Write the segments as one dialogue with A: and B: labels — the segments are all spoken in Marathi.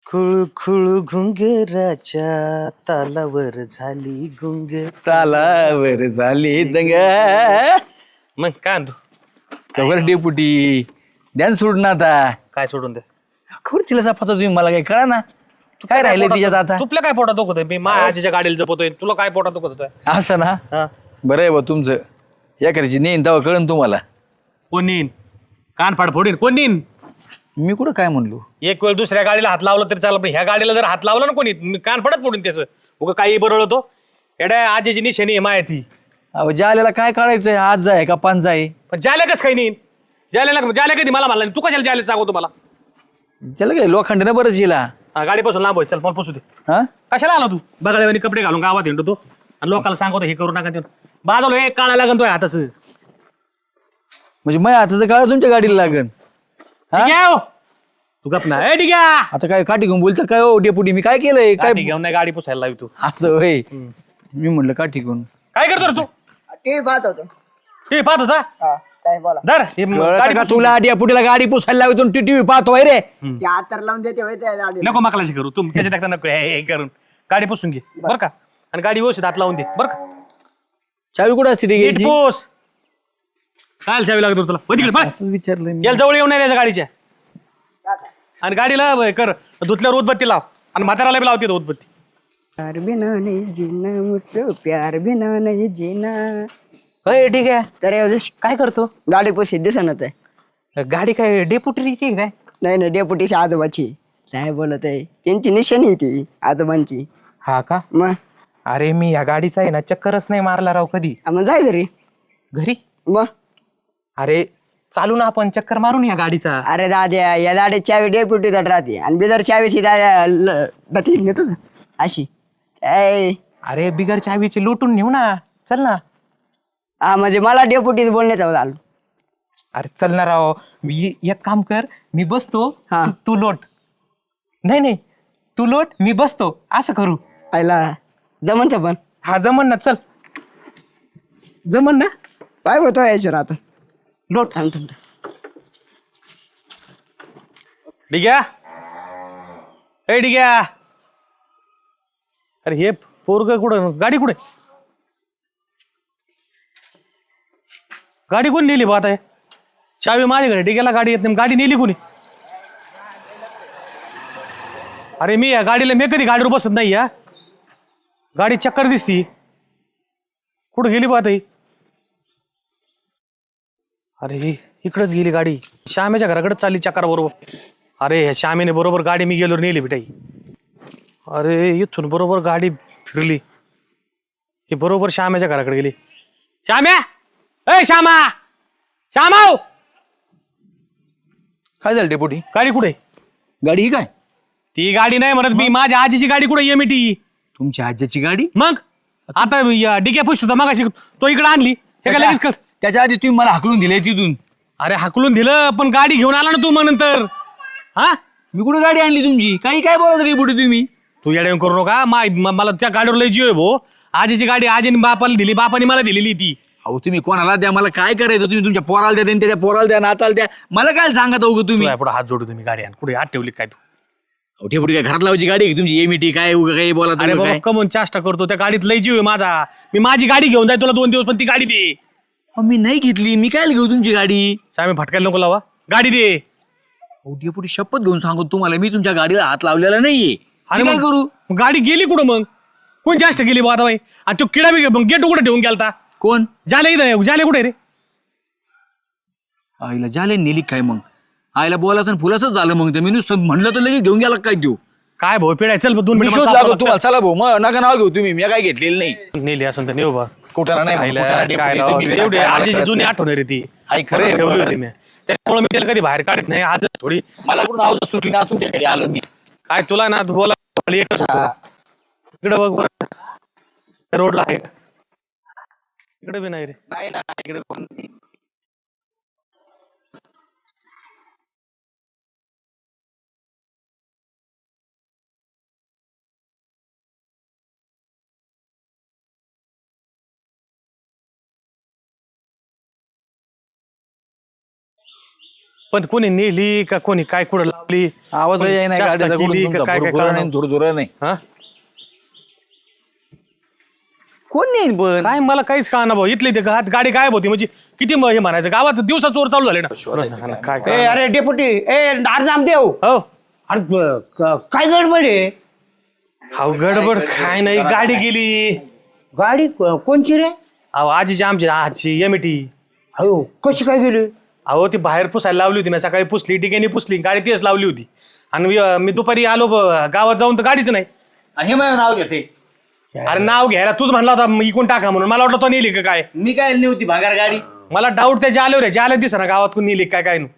A: खुळू खुळू घुंगराच्या तालावर झाली गुंग.
B: तालावर झाली दंग.
A: मग काय आणतो?
B: कवर डेपुटी ध्यान सोडून आता
A: काय सोडून दे?
B: खबर तिला सापडतो तुम्ही मला काही कळा ना. काय राहिले तिच्यात आता?
A: तुला काय पोटात दुखत मी माझ्या आजीच्या गाडीला जपतोय, तुला काय पोटात दुखत होतोय?
B: असं ना.
A: हा,
B: बरं आहे बा तुमचं. या करायची नेईन तेव्हा कळन तुम्हाला.
A: कोण नेईन? कान फाड फोडीन कोण नेईन?
B: मी कुठं काय म्हणलो?
A: एक वेळ दुसऱ्या गाडीला हात लावला तरी चालत, पण ह्या गाडीला जर हात लावला ना कोणी, मी कान फडत फोडून त्याचं. उगा काही बरळ होतो. एड्या आजीची निशाणी आहे माहिती.
B: अहो जाल्याला काय काढायचंय? आज जाय का पाच जाय?
A: पण जाल्या कसं काही नेईन? जाल्या कधी मला म्हणला नाही. तू कशाला जायला सांगतो मला?
B: त्याला काय लोखंड बरंच हिला.
A: गाडीपासून लांब होय, चल मला पुसू दे.
B: हा
A: कशाला आला तू? बगाड्यावानी कपडे घालून गावात हिंडतो तो आणि लोकांना सांगतो हे करू नका ते. बाजूला हे काळा लागन तो हाताचं.
B: म्हणजे माझ्या हाताचं काळ तुमच्या गाडीला लागन. हा?
A: ठीक आहे हो. तू गप ना. ए ठीक आहे.
B: आता काय काठी घेऊन बोलता काय? हो डेपुटी मी काय केलंय? काय
A: काय घेऊन नाही गाडी पुसायला लावी तू?
B: असं होय. मी म्हणलं काठी घेऊन.
A: काय करतो रे तू?
C: टीव्ही पाहत होतो.
A: हे पाहत होता.
C: हा, काय बोला.
A: धर हे गाडी
B: का
A: पुसून
B: तुला डेपुटीला गाडी पुसायला लावतो टीव्ही पाहतोय रे?
C: ते आतर लावून देते होय त्या गाडीला.
A: नको मकलाशी करू तू त्याच्या देखता नको हे करून गाडी पुसून घे बरं का. आणि गाडी व्यवस्थित हात लावून दे बरं का.
B: चावी कुठं असते रे
A: नीट
B: घ्यायची?
A: पोस. काय चावी लागतो तुला? हो तिकडे, पळ.
B: असंच विचारलं मी.
A: याला जवळ येऊन नाही त्याच्या गाडीच्या. आणि गाडीला कर धुतल्यावर उदबत्ती लाव आणि म्हाताराला बी लावते तो उदबत्ती.
C: प्यार बिना नहीं जीना मुझको, प्यार बिना नहीं जीना.
D: होय ठीक आहे.
C: तर एवढेच
D: काय करतो?
C: गाडी पुशी दिसत आहे.
D: गाडी काय डेपुटरीची काय?
C: नाही नाही, डेपुटीची आजोबाची. साहेब बोलत आहे त्यांची निशाणी आहे ती आजोबांची.
D: हा का?
C: मग
D: अरे मी या गाडीचा आहे ना चक्करच नाही मारला राव कधी.
C: मग जाय घरी.
D: घरी?
C: मग
D: अरे चालू ना आपण चक्कर मारून या गाडीचा.
C: अरे दाद्या, या गाडीत चावी डेपुटीत राहते आणि बिदर चावीची दाद्या नेतो ना अशी. ऐ,
D: अरे बिगर चावीची लुटून नेऊ ना. चल ना.
C: हा म्हणजे मला डेपुटीच बोलण्यात आलं.
D: अरे चल ना राव. मी एक काम कर, मी बसतो
C: हा.
D: तू लोट. नाही नाही, तू लोट मी बसतो असं करू.
C: आयला जमन पण.
D: हा जमन ना. चल जमन ना.
C: काय होतो याच्यावर आता?
D: लोट.
C: थांब.
A: ठीक आहे. ए ठीक आहे. अरे हे पोरग कुठं? गाडी कुठे? गाडी कोण नेली बात आहे? चावी माझ्याकडे. ठीक आहे, गाडी येत नाही. गाडी नेली कोणी? अरे मी या गाडीला मी कधी गाडीवर बसत नाही. या गाडी चक्कर दिसती. कुठं गेली बात आहे? अरे ही इकडंच गेली गाडी. श्यामेच्या घराकडेच चालली चक्कर बरोबर. अरे ह्या श्यामेने बरोबर गाडी मी गेलो नेली बिटाई. अरे इथून बरोबर गाडी फिरली. ही बरोबर श्यामेच्या घराकडे गेली. श्याम्या, ए श्यामा, श्यामाव.
B: काय झालं डेपुटी?
A: गाडी कुठे?
B: गाडी ही काय?
A: ती गाडी नाही म्हणत मी. माझ्या आजीची गाडी कुठे? एमटी.
B: तुमच्या आज्याची गाडी?
A: मग आता डिग्या पुश होता मग तो इकडे आणली. हे काय लगेच कळत?
B: त्याच्या आधी तुम्ही मला हाकलून दिले तिथून.
A: अरे हाकलून दिलं पण गाडी घेऊन आला ना तू मग नंतर. हा
B: मी कुठे गाडी आणली तुमची? काही काय बोलत डेपुटी तुम्ही?
A: तू येड्या करू नका. मला त्या गाडीवर लय जीव आहे भाऊ. आजीची गाडी आजीने बापाला दिली, बापाने मला दिलेली ती.
B: अहो तुम्ही कोणाला द्या, मला काय करायचं? तुम्ही तुमच्या पोराला द्या, त्याच्या पोराला द्या, नाताला द्या. मला काय सांगत अहो तुम्ही?
A: पुढे हात जोडू तुम्ही. गाडी आण. कुठे हात ठेवली काय तू?
B: अहो डेपुटी काय घरात लावायची गाडी आहे का तुमची? एमटी काय उगा काही बोला
A: अरे बाबा कमून चाष्टा करतो. त्या गाडीत लय जीव आहे माझा. मी माझी गाडी घेऊन जाय तुला 2 दिवस, पण ती गाडी दे.
B: मी नाही घेतली. मी काय घेऊ तुमची गाडी?
A: सामी फटकायला नको लावा. गाडी दे.
B: अहो डेपुटी शपथ घेऊन सांगतो तुम्हाला, मी तुमच्या गाडीला हात लावलेला नाहीये.
A: आणि
B: आणि काय करू?
A: मग गाडी गेली कुठं मग? कोण जास्त गेली बा आता बाई? आणि तो किडा बी गेट कुठे ठेवून गेलता?
B: कोण?
A: जाले इथं. जाले कुठे रे?
B: आईला झाले नेली काय मग? आईला बोलायचं आणि फुलाच झालं मग. तर मी नुसतं म्हणलं तर लगेच घेऊन गेला काय देऊ?
A: काय भाऊ पिढाय? चल 2
B: मी
A: मिनिट
B: शोध लागलो तुम्हाला. चला भाऊ, मग नका नाव घेऊ तुम्ही. मी काय घेतलेलं नाही.
A: नेली असं तर नेऊ बा.
B: कुठाला नाही
A: खायला
B: कुठाला डेपुटी
A: काय लावा.
B: तुम्ही.
A: एवढी आजीची जुनी आठवण आहे रे ती.
B: आई खरं आहे,
A: ठेवली होती मी. त्यामुळे मी त्याला कधी बाहेर काढत नाही. आज थोडी
B: मला कुठून आवाज सुटली ना तुमच्या घरी आलो मी.
A: काय तुला ना तू बोला एकच होतं. इकडे बघ बरं. रोडला आहे. इकडे बी नाही रे.
B: नाही ना इकडे कोण नाही.
A: पण कोणी नेली का कोणी काय कुठं लावली
B: आवाज
A: कोणी
B: नाही
A: चेष्टा केली का काय काय कळलं नाही.
B: धुरधुर नाही
A: हा
B: कोण नाही पण
A: काय मला काहीच कळना भाऊ इथली ते गाडी गायब होती म्हणजे किती हे म्हणायचं गावात दिवसा चोर चालू झाले ना काय
E: ए
A: काय
E: अरे डेपुटी ए नामदेव
A: हो
E: अरे काय गडबड आहे
A: अहो गडबड काय नाही गाडी गेली
E: गाडी कोणची रे
A: अहो आजीची आजची एमटी
E: अयो कशी काय गेली
A: अहो ती बाहेर पुसायला लावली होती मी सकाळी पुसली टिकेनी पुसली गाडी तीच लावली होती आणि मी दुपारी आलो गावात जाऊन तर गाडीच नाही
B: आणि हे माझं नाव घेते
A: अरे नाव घ्यायला तूच म्हणला होता इकून टाका म्हणून मला वाटलं तो नेली का काय
B: मी काय नव्हती भांगार गाडी
A: मला डाऊट त्या जाले रे जाले दिसा ना गावात कोण नेली काय काय नु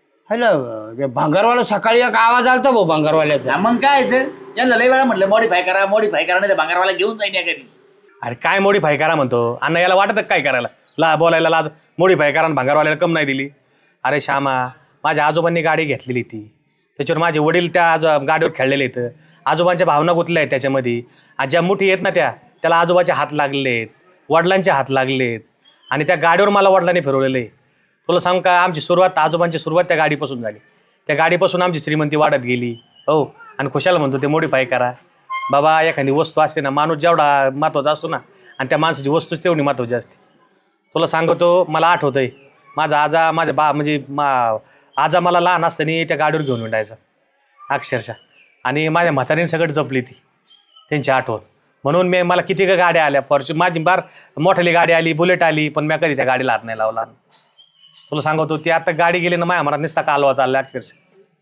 E: हॅलो भांगारवाला सकाळी एक आवाज आलता भाऊ भांगारवाल्याचा
B: हा, मग काय ते यांना लय वेळा म्हटलं मॉडीफाय करा नाही तर भांगारवाला घेऊन जाईन एखादीच
A: अरे काय मोडीफाय करा म्हणतो अण्णा याला वाटत काय करायला बोलायला लाज मोडीफाय करा आणि भांगारवाल्याला कम नाही दिली अरे श्यामा माझ्या आजोबांनी गाडी घेतलेली ती त्याच्यावर माझे वडील त्या गाडीवर खेळलेले आहेत आजोबांच्या भावना गुंतल्या आहेत त्याच्यामध्ये आज ज्या मुठी आहेत ना त्याला आजोबाचे हात लागलेत वडिलांचे हात लागलेत आणि त्या गाडीवर मला वडिलांनी फिरवलेलं आहे तुला सांग का आमची सुरुवात आजोबांची सुरुवात त्या गाडीपासून झाली त्या गाडीपासून आमची श्रीमंती वाढत गेली हो आणि खुशाला म्हणतो ते मोडीफाय करा बाबा एखादी वस्तू असते ना माणूस जेवढा महत्त्वाचा असतो ना आणि त्या माणसाची वस्तूच तेवढी महत्त्वाची असते तुला सांगतो मला आठवतंय माझा आजा माझ्या म्हणजे आजा मला लहान असताना त्या गाडीवर घेऊन विंडायचा अक्षरशः आणि माझ्या म्हातारीने सगळं जपली ती त्यांची आठवण म्हणून मला किती का गाड्या आल्या माझी मोठाली गाडी आली बुलेट आली पण मी कधी त्या गाडीला हात नाही लावला तुला सांगतो ती आता गाडी गेली ना माझ्या मनात नुसता कालवा चालला अक्षरशः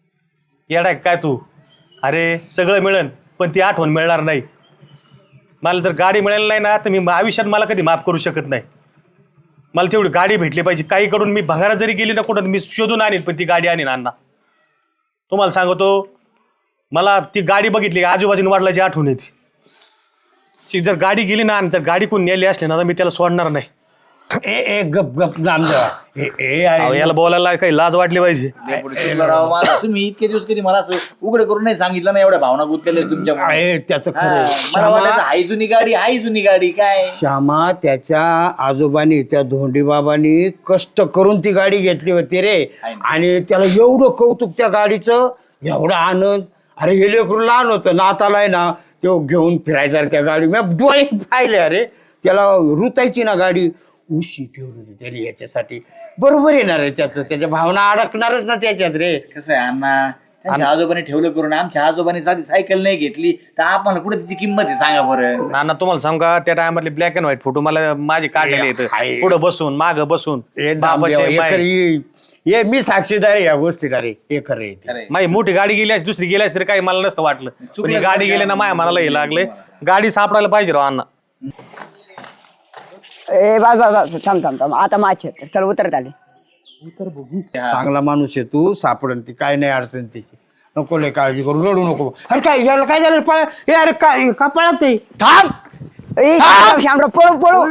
A: येडा काय तू अरे सगळं मिळेल पण ती आठवण मिळणार नाही मला जर गाडी मिळेल नाही ना तर मी आयुष्यात मला कधी माफ करू शकत नाही मला तेवढी गाडी भेटली पाहिजे काही कडून मी भंगारा जरी गेली ना कुठं मी शोधून आणीन पण ती गाडी आणीन अण्णा तुम्हाला सांगतो मला ती गाडी बघितली आजूबाजूने वाढल्याची आठवण येते ती जर गाडी गेली ना आणि जर गाडी कोण नेली असली ना तर मी त्याला सोडणार नाही
E: ए गप गप नामदेव ए
A: अहो,
E: अरे
A: याला बोलायला काही लाज वाटली पाहिजे
B: तुम्ही इतके दिवस कधी मला असं उघड करून नाही सांगितलं ना एवढ्या भावना गुंतलेल्या तुमच्या
E: आहे त्याचं खरं
B: मला वाटायचं हाय जुनी गाडी काय
E: श्यामा त्याच्या आजोबांनी त्या धोंडीबाबांनी कष्ट करून ती गाडी घेतली होती रे आणि त्याला एवढं कौतुक त्या गाडीचं एवढा आनंद अरे हे लेकरू लहान होतं नाताला आहे ना तो घेऊन फिरायचा रे त्या गाडी मी डोळे पाहिले अरे त्याला रुतायची ना गाडी उशी ठेवली होती त्याने याच्यासाठी बरोबर येणार आहे त्याच्या भावना अडकणारच ना त्याच्यात रे
B: कसं आहे अण्णा त्यांच्या आजोबाने ठेवलं करून आमच्या आजोबाने साधी सायकल नाही घेतली तर आपल्याला कुठे तिची किंमत आहे सांगा बरं
A: नाना तुम्हाला सांगू का त्या टायमातले ब्लॅक अँड व्हाईट फोटो मला माझे काढलेले आहेत पुढे बसून मागं बसून बाबाचे बाई.
E: ये मी साक्षीदार आहे या गोष्टीला रे हे खरं आहे ते.
B: खरंय.
A: माझी मोठी गाडी गेली असती दुसरी गेली असती तरी काही मला नसतं वाटलं पण ही गाडी गेली ना माया मनाला हे लागले गाडी सापडायला पाहिजे राव अण्णा
C: ए बस थांब आता माझे चल उतरत आले
E: चांगला माणूस आहे तू सापडन ती काय नाही अडचण त्याची नको लय काळजी करू रडू नको अरे काय याला काय झालं पळ हे अरे काय का पळत ते थांब
C: ए श्यामराव पळू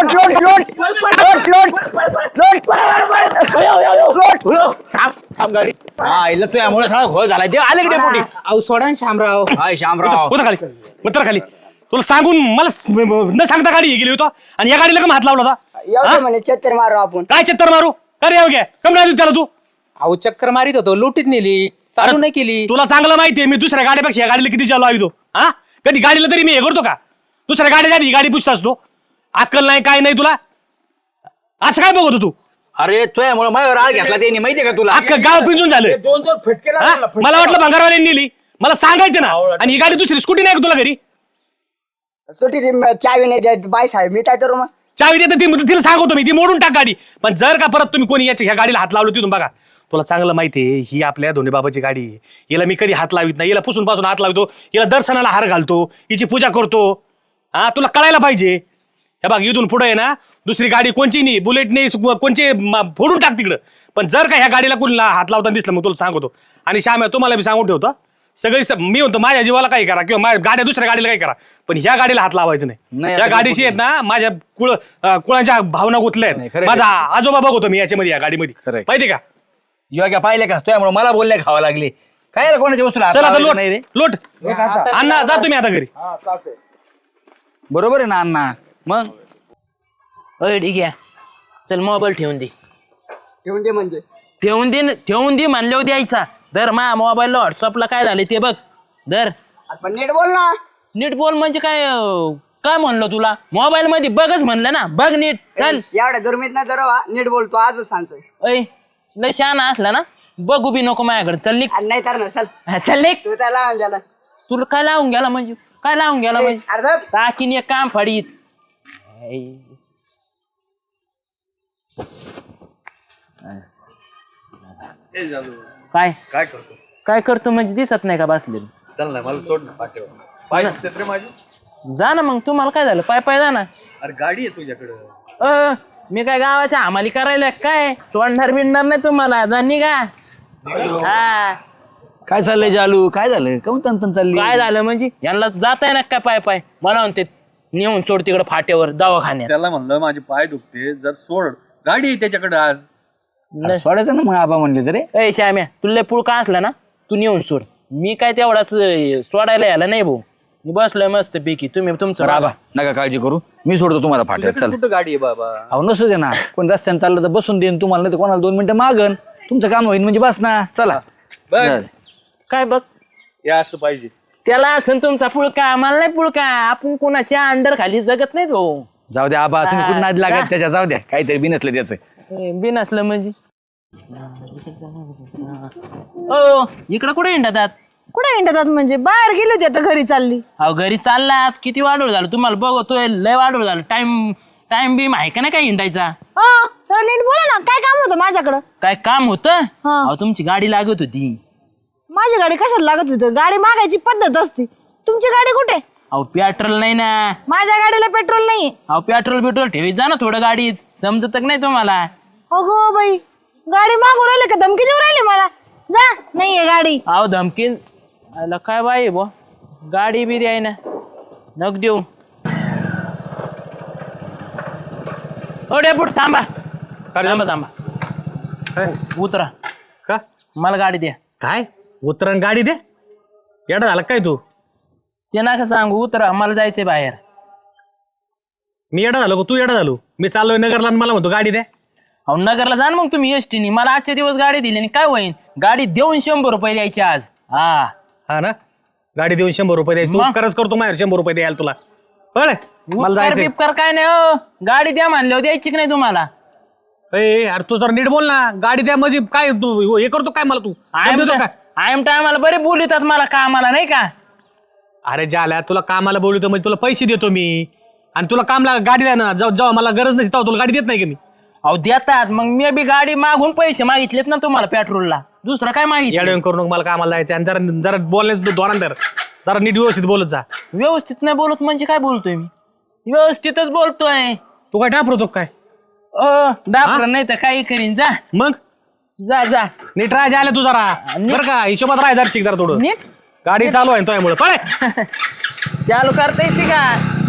C: लोट
B: हा इला तो यामुळे सगळा घोळ झाला ते आले कडे पोटी
D: अहो सोडा ना शामराव
B: हाय शामराव
A: उतर खाली तुला सांगून मला न सांगता गाडी गेली होता आणि या गाडीला कम हात लावला होता
C: एवढं म्हणे चत्तर मारू आपण
A: काय चत्तर मारू अरे येऊ घ्या कम नाही त्याला तू
D: अहो चक्कर मारित होतो लुटीत नेली चालू नाही केली
A: तुला चांगलं माहितीये मी दुसऱ्या गाडीपेक्षा या गाडीला किती चालू तो हा कधी गाडीला तरी मी हे करतो का दुसऱ्या गाडी झाली गाडी पुसतास तो अक्कल नाही काय नाही तुला असं काय बघतो तू
B: अरे तो यामुळे माझ्यावर राळ घेतला त्यांनी माहितीये का तुला
A: अख्खं गाव पिंजून झालं
E: दोन फटके
A: हा? मला वाटलं भंगारवाल्यांनी नेली मला सांगायचं ना आणि ही गाडी दुसरी स्कूटी नाही का तुला घरी
C: सुटी चावी नाही देत बाय साहेब मी काय करू मग
A: चावी देते ती तिला सांगतो मी ती मोडून टाक गाडी पण जर का परत तुम्ही कोणी ह्या गाडीला हात लावलो तिथून बघा तुला चांगलं माहितीये ही आपल्या धोंडीबाबाची गाडी आहे हिला मी कधी हात लावित नाही हिला पुसून पासून हात लावतो हिला दर्शनाला हार घालतो हिची पूजा करतो हा तुला कळायला पाहिजे हे बघ इथून पुढे आहे ना दुसरी गाडी कोणची नाही बुलेट नाही कोणची फोडून टाक तिकडं पण जर का ह्या गाडीला कोणी हात लावताना दिसलं मग तुला सांगतो आणि श्याम तुम्हाला मी सांगून ठेवतो सगळी मी म्हणतो माझ्या जीवाला काही करा किंवा माझ्या गाड्या दुसऱ्या गाडीला काही करा पण ह्या गाडीला हात लावायचं नाही या गाडीशी आहेत ना माझ्या कुळांच्या भावना गुंतल्या आहेत माझा आजोबा बघतो मी याच्यामध्ये या गाडीमध्ये माहिती का
B: जेव्हा पाहिले का तो यामुळे मला बोलणे खावा लागले काय रे कोणाच्या वस्तूला हात
A: चल आता
B: लावायचं नाही रे
A: लोट अण्णा जा तुम्ही आता घरी
B: बरोबर आहे ना अण्णा मग
F: होय ठीक आहे चल मोबाईल ठेवून दे
C: ठेवून दे म्हणजे
F: ठेवून दे म्हणल्यावर द्यायचा. दर मा मोबाईलला व्हॉट्सअपला काय झालं ते बघ. दर
C: पण नीट बोल ना.
F: नीट बोल म्हणजे काय काय म्हणलं तुला? मोबाईल मध्ये बघच म्हणलं ना, बघ नीट. चल
C: एवढ्या दुर्मित ना जरा नीट बोलतो आजच सांगतोय.
F: ऐ लय शहाणा असला ना बघू बी नको माझ्याकडे. चल निघ.
C: आणि नाही तर ना चल.
F: हा, चल निघ.
C: तू त्याला लावून द्याला.
F: तुला काय लावून गेला म्हणजे? काय लावून गेला म्हणजे?
C: अर्धा
F: टाकीन एक काम फाडीत. काय
A: काय करतो?
F: काय करतो म्हणजे दिसत नाही का बसलेलं?
A: चल ना मला सोड ना पाठीवर. पाय दुखतात रे माझी.
F: जा ना मग. तुम्हाला काय झालं? पाय पाय जा ना.
A: अरे गाडी आहे तुझ्याकडं.
F: मी काय गावाच्या हमाली करायला काय? सोडणार बिडणार नाही तुम्हाला. जा निघा. हा
B: काय चाललंय जालू? काय झालं? काऊन तन चालली?
F: काय झालं म्हणजे? यांना जाताय ना काय पाय पाय? मला म्हणते नेऊन सोड तिकडे फाट्यावर दवाखान्यात.
A: त्याला म्हणलं माझे पाय दुखते जर सोड. गाडी आहे त्याच्याकडे आज.
B: सोडायचं ना मग आबा म्हणले तरी.
F: ए श्याम्या तुला लय पुळका असला ना तू नेऊन सोड. मी काय तेवढाच सोडायला यायला नाही भाऊ. मी बसलोय मस्त पैकी. तुम्ही तुमचं
B: आबा नका काळजी करू, मी सोडतो तुम्हाला फाट्यात. चल.
A: कुठं गाडी आहे बाबा?
B: अहो नसू दे ना, कोण रस्त्याने चाललं तर बसून देईन तुम्हाला, नाही तर कोणाला 2 मिनिटं मागन. तुमचं काम होईल म्हणजे बस ना. चला.
F: काय बघ
A: हे असं पाहिजे.
F: त्याला असं तुमचा पुळका, आम्हाला नाही पुळका. आपण कोणाच्या अंडर खाली जगत नाही भाऊ.
B: जाऊ द्या आबा, तुम्ही कुठं नाद लागत त्याच्या. जाऊ द्या, काहीतरी बिनसलं त्याचं.
F: बिन असलं म्हणजे ओ इकडं कुठे हिंडतात?
G: कुठे हिंडतात म्हणजे? बाहेर गेली होती आता घरी चालली.
F: अहो घरी चाललात. किती वाढवळ झालं तुम्हाला बघतोय. लय वाढवळ झालं. टाइम बी आहे का नाही काय हिंडायचा?
G: तर नीट बोला ना, काय काम होतं माझ्याकडं?
F: काय काम होतं?
G: हा.
F: अहो तुमची गाडी लागत होती.
G: माझी गाडी कशाला लागत होती? गाडी मागायची पद्धत असते. तुमची गाडी कुठे?
F: अहो पेट्रोल नाही ना.
G: माझ्या गाडीला पेट्रोल नाही.
F: अहो पेट्रोल ठेवी जा ना थोडं गाडीत. समजत नाही तुम्हाला?
G: अगो बाई, गाडी मागू राहिले का धमकी देऊ राहिले मला? जा, नाहीये गाडी.
F: अहो धमकीन आला काय बाई बो. गाडी बी द्याय ना. नक देऊ. ओ डेपुट थांबा. थांबा. उतरा.
A: का?
F: मला गाडी द्या.
A: काय उतरण गाडी दे? येडा झाला काय तू?
F: ते नका सांगू. उतरा, मला जायचंय बाहेर.
A: मी येडा झालो का तू येडा झालो? मी चाललोय नगरला आणि मला म्हणतो गाडी दे.
F: अहो नगरला जा ना मग तुम्ही एसटीने. मला आजचे दिवस गाडी दिली आणि काय होईन? गाडी देऊन 100 रुपये द्यायचे आज.
A: हा ना, गाडी देऊन 100 रुपये द्यायची. तू
F: मग?
A: उपकारच करतो माझ्यावर 100 रुपये द्यायला तुला. बरं मला
F: उपकार
A: जायचंय.
F: बिपकार काय नाही हो. गाडी द्या म्हणल्यावर द्यायची की नाही तुम्हाला?
A: अरे तू जर नीट बोल ना. गाडी द्या म्हणजे काय? तू हे करतो काय मला? तू देतो काय?
F: आय एम टायमाला बरे बोलतात मला कामाला नाही का?
A: अरे ज्याला तुला कामाला बोलवतो म्हणजे तुला पैसे देतो मी. आणि तुला कामला गाडी द्या ना. जेव्हा मला गरज नाही तेव्हा तुला गाडी देत नाही की मी.
F: अहो देतात. मग मी बी गाडी मागून पैसे मागितलेत ना तुम्हाला पेट्रोलला. दुसरं काय मागितलं?
A: येडवण करू नको. मला कामाला जायचं आणि जरा जरा बोलण्याचं धोरण जरा नीट व्यवस्थित बोलत जा.
F: व्यवस्थित नाही बोलत म्हणजे काय बोलतोय मी? व्यवस्थितच बोलतोय.
A: तू काय डापरतो काय?
F: डाक्टर नाही तर काही करीन. जा
A: मग
F: जा जा.
A: नीट राहायला आलं तू जरा. बरं का हिशोबात राहायचं जरा शिक जरा थोडं.
F: नीट
A: गाडी चालू आहे तुझ्यामुळे. पळे
F: चालू करता येते का?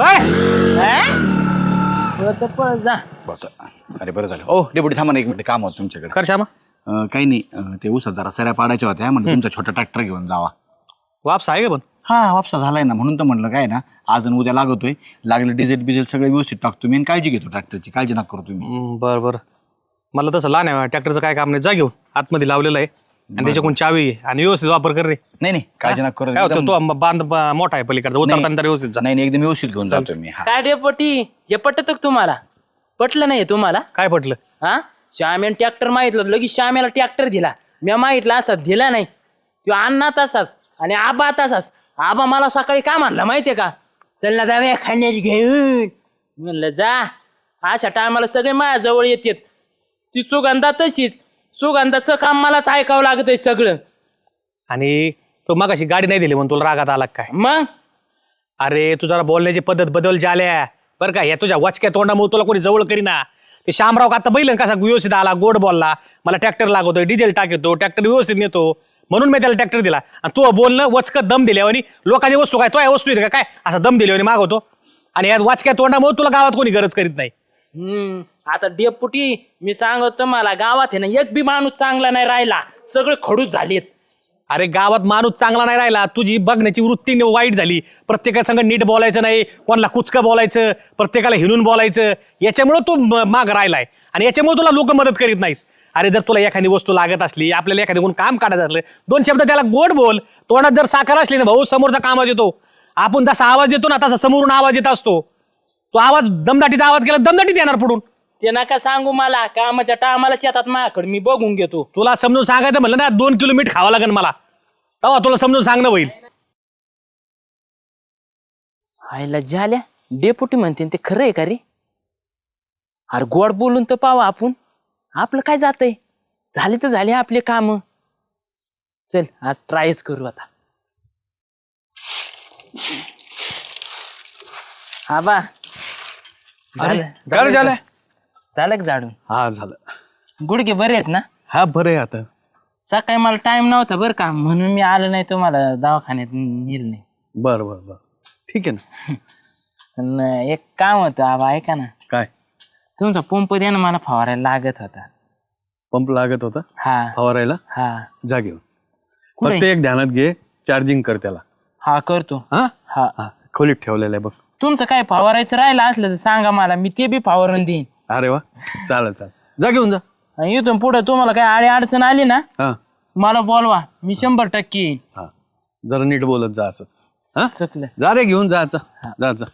F: पळ जा.
B: अरे बरं झालं. ओ डेपुटी थांबा ना 1 मिनिट, काम होतं तुमच्याकडे.
A: कर श्यामा.
B: काही नाही, ते उसात जरा सऱ्या पाडायच्या होत्या. म्हणजे तुमचा छोटा ट्रॅक्टर घेऊन जावा.
A: वापस आहे का पण?
B: हा वापसा झालाय ना, म्हणून तर म्हणलं काय ना, आज आणि उद्या लागतोय. लागलं डिझेल बिझेल सगळं व्यवस्थित टाकतो मी आणि काळजी घेतो ट्रॅक्टरची. काळजी नका करू तुम्ही.
A: बरं बरं. मला तसं लहान आहे ट्रॅक्टरचं काय काम नाही. जा घेऊन आतमध्ये लावलेलं आहे आणि त्याच्याकडून चावी आहे आणि व्यवस्थित वापर कर रे.
B: नाही काळजी नका करू.
A: काय होतं तो बांध मोठा आहे पलीकडचा. उतरताना तरी व्यवस्थित जा.
B: नाही एकदम व्यवस्थित घेऊन जातो मी. हा
F: काय डेपटी हे पटत तुम्हाला? पटलं नाही तुम्हाला?
A: काय पटलं?
F: हा श्याम्याने ट्रॅक्टर मागितलं लगेच श्याम्याला ट्रॅक्टर दिला. मी मागितला असता दिला नाही. तो अण्णा तसाच आणि आबा तसाच. आबा मला सकाळी काय म्हणला माहितीये का? चल ना जाऊया खाण्याची घेऊन. म्हणलं जा. अशा टायमाला सगळे माझ्या जवळ येतात. ती सुगंधा तशीच. सुगंधाचं काम मलाच ऐकावं लागतंय सगळं.
A: आणि तो मगाशी गाडी नाही दिली म्हणून तुला रागात आला काय?
F: मग
A: अरे तू जरा बोलण्याची पद्धत बदल झाल्या बरं का. या तुझ्या वचक्या तोंडामुळे तुला कोणी जवळ करीना. ते शामराव का आता बैल कसा व्यवस्थित आला, गोड बोलला. मला ट्रॅक्टर लागवतोय, डिझेल टाकतो, ट्रॅक्टर व्यवस्थित नेतो म्हणून मी त्याला ट्रॅक्टर दिला. आणि तू बोलणं वचकत दम दिल्यावानी. लोकांची वस्तू काय तो या वस्तू येते काय असा दम दिल्यावानी मागवतो. आणि या वाचक्या तोंडामुळे तुला गावात कोणी गरज करीत नाही.
F: आता डेपुटी मी सांगतो तुम्हाला गावात आहे ना एक बी माणूस चांगला नाही राहिला. सगळे खडूस झालेत.
A: अरे गावात माणूस चांगला नाही राहिला. तुझी बघण्याची वृत्ती वाईट झाली. प्रत्येकासंग नीट बोलायचं नाही, कोणाला कुचकं बोलायचं, प्रत्येकाला हिणून बोलायचं. याच्यामुळे तू माग राहिलाय आणि याच्यामुळे तुला लोक मदत करीत नाहीत. अरे जर तुला एखादी वस्तू लागत असली, आपल्याला एखादी कोण काम काढायचं असलं, 2 शब्द त्याला गोड बोल. तोंडात जर साखर असली ना भाऊ, समोरचा कामात येतो. आपण जसा आवाज देतो ना तसा समोरून आवाज येत असतो. तो आवाज दमदाटीचा आवाज केला, दमदाटीत येणार पुढून.
F: ते नका सांगू मला, कामाच्या टायमाला शेतात माझ्याकडे मी बघून घेतो.
A: तुला समजून सांगायचं म्हणलं ना 2 किलो मीठ खावं लागेल मला, तेव्हा तुला समजून सांगणं होईल.
F: आईला झाल्या डेपुटी म्हणते ते खरं आहे का रे? अरे गोड बोलून तर पावा आपण, आपलं काय जातंय, झाले तर झाले आपले काम. चल आज ट्रायच करू आता. आबा
B: काय झालं?
F: झालं का झाडून?
B: हा झालं.
F: गुडघे बरे आहेत ना?
B: हा बरं आहे आता.
F: सकाळी मला टाइम नव्हता बरं का, म्हणून मी आलो नाही, तुम्हाला दवाखान्यात नेलं नाही.
B: बरं बरं बरं ठीक आहे ना.
F: पण एक काम होतं आबा, ऐका ना.
B: काय?
F: तुमचा पंप द्या ना, मला फवारायला लागत होता.
B: पंप लागत होता
F: हा
B: फवारायला?
F: हा
B: जा घेऊन.
F: कुठे?
B: फक्त एक ध्यानात घे, चार्जिंग कर त्याला.
F: हा करतो.
B: हा
F: हा
B: हा खोलीत ठेवलेलं आहे बघ.
F: तुमचं काय फवारायचं राहिलं असलं तर सांगा मला, मी ते बी फवारून देईन.
B: अरे वा, चालेल चालेल, जा घेऊन जा.
F: आणि इथून पुढे तुम्हाला काय आडी अडचण आली ना,
B: हा
F: मला बोलवा, मी 100% येईन.
B: हा जरा नीट बोलत जा असंच. हा
F: चुकलं.
B: जा रे घेऊन जा जा जा जा.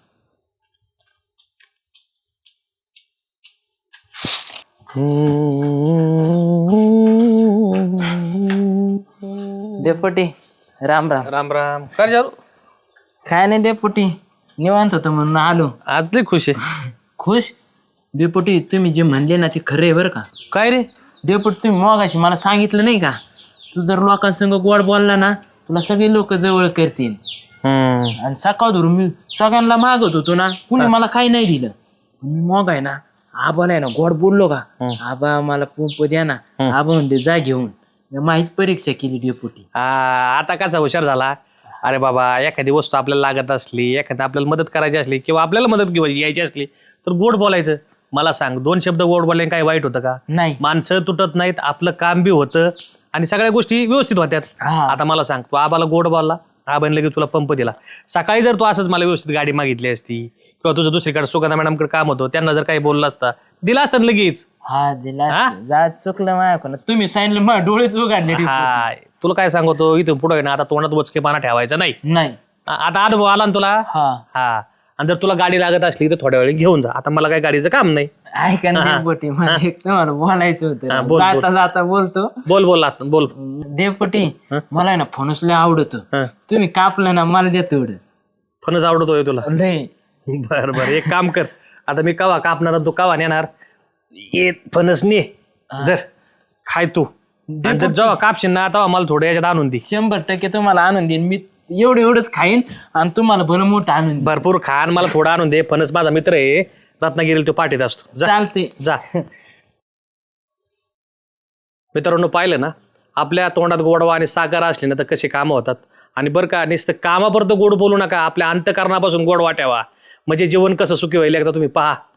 F: डेपुटी राम राम.
A: राम राम. काय झालं?
F: काय नाही डेपुटी, निवांत होतं म्हणून आलो.
A: आज लय खुश आहे.
F: खुश? डेपुटी तुम्ही जे म्हणले ना ते खरं आहे बरं का.
A: काय रे?
F: डेपुटी तुम्ही मगाशी मला सांगितलं नाही का, तू जर लोकांसंग गोड बोलला ना तुला सगळे लोक जवळ करतील. आणि सकाळ धरून मी सगळ्यांना मागत होतो ना, कुणी मला काही नाही दिलं. मी मग आहे ना आबाला आहे ना गोड बोललो का, आबा मला पंप द्या ना, आबा म्हणते जा घेऊन. मी माहीच परीक्षा केली डेपुटी.
A: आता कसा हुशार झाला. अरे बाबा, एखादी वस्तू आपल्याला लागत असली, एखादी आपल्याला मदत करायची असली किंवा आपल्याला मदत यायची असली तर गोड बोलायचं. मला सांग, 2 शब्द गोड बोलले काय वाईट होतं का?
F: नाही.
A: माणसं तुटत नाहीत, आपलं काम बी होतं आणि सगळ्या गोष्टी व्यवस्थित होत्यात.
F: हा.
A: आता मला सांग, तू आबाला गोड बोलला, आबाने लगेच तुला पंप दिला. सकाळी जर तू असंच मला व्यवस्थित गाडी मागितली असती किंवा तुझं दुसरीकडे सुगंधा मॅडमकडे काम होतं, त्यांना जर काही बोलला असता, दिला असतं लगेच.
F: हा दिला. जा चुकलं माझ्याकडून, तुम्ही सांगितलं माझ्या डोळेच उघडले.
A: हा तुला काय सांगतो, इथून पुढे ना आता तोंडात वचकेपणा ठेवायचा नाही.
F: नाही.
A: आता अनुभव आला ना तुला.
F: हा
A: हा आणि जर तुला गाडी लागत असली तर थोड्या वेळी घेऊन जा. आता मला काही गाडीचं काम नाही.
F: ऐका ना डेपुटी, मला एक तुम्हाला बोलायचं
A: हा,
F: होतं.
A: बोल,
F: जाता जाता बोलतो.
A: बोल बोल आता बोल.
F: डेपुटी मला आहे ना फणस लय आवडत,
A: हा.
F: तुम्ही कापलं ना मला द्या तेवढं.
A: फणस आवडतोय तुला?
F: लय.
A: बर बर, एक काम कर, आता मी कवा कापणार तू कवा नेणार, ये फणस ने जर खाय तू. आणि जर जेव्हा कापशील ना तेव्हा मला थोडं याच्यात आणून दे.
F: 100% तुम्हाला आणून देईन मी. एवढंच खाईन आणि तुम्हाला भलं मोठं आणून देईन.
A: भरपूर खा आणि मला थोडं आणून दे. फणस माझा मित्र आहे, रत्नागिरीला तो पाठीत असतो. जा
F: चालते.
A: जा. मित्रांनो, पाहिलं ना आपल्या तोंडात गोडवा आणि साखर असली ना तर कशी कामं होतात. आणि बरं का, नुसतं कामापर्यंत गोड बोलू नका, आपल्या अंतकरणापासून गोड वाटावा, म्हणजे जीवन कसं सुखी होईल एकदा तुम्ही पहा.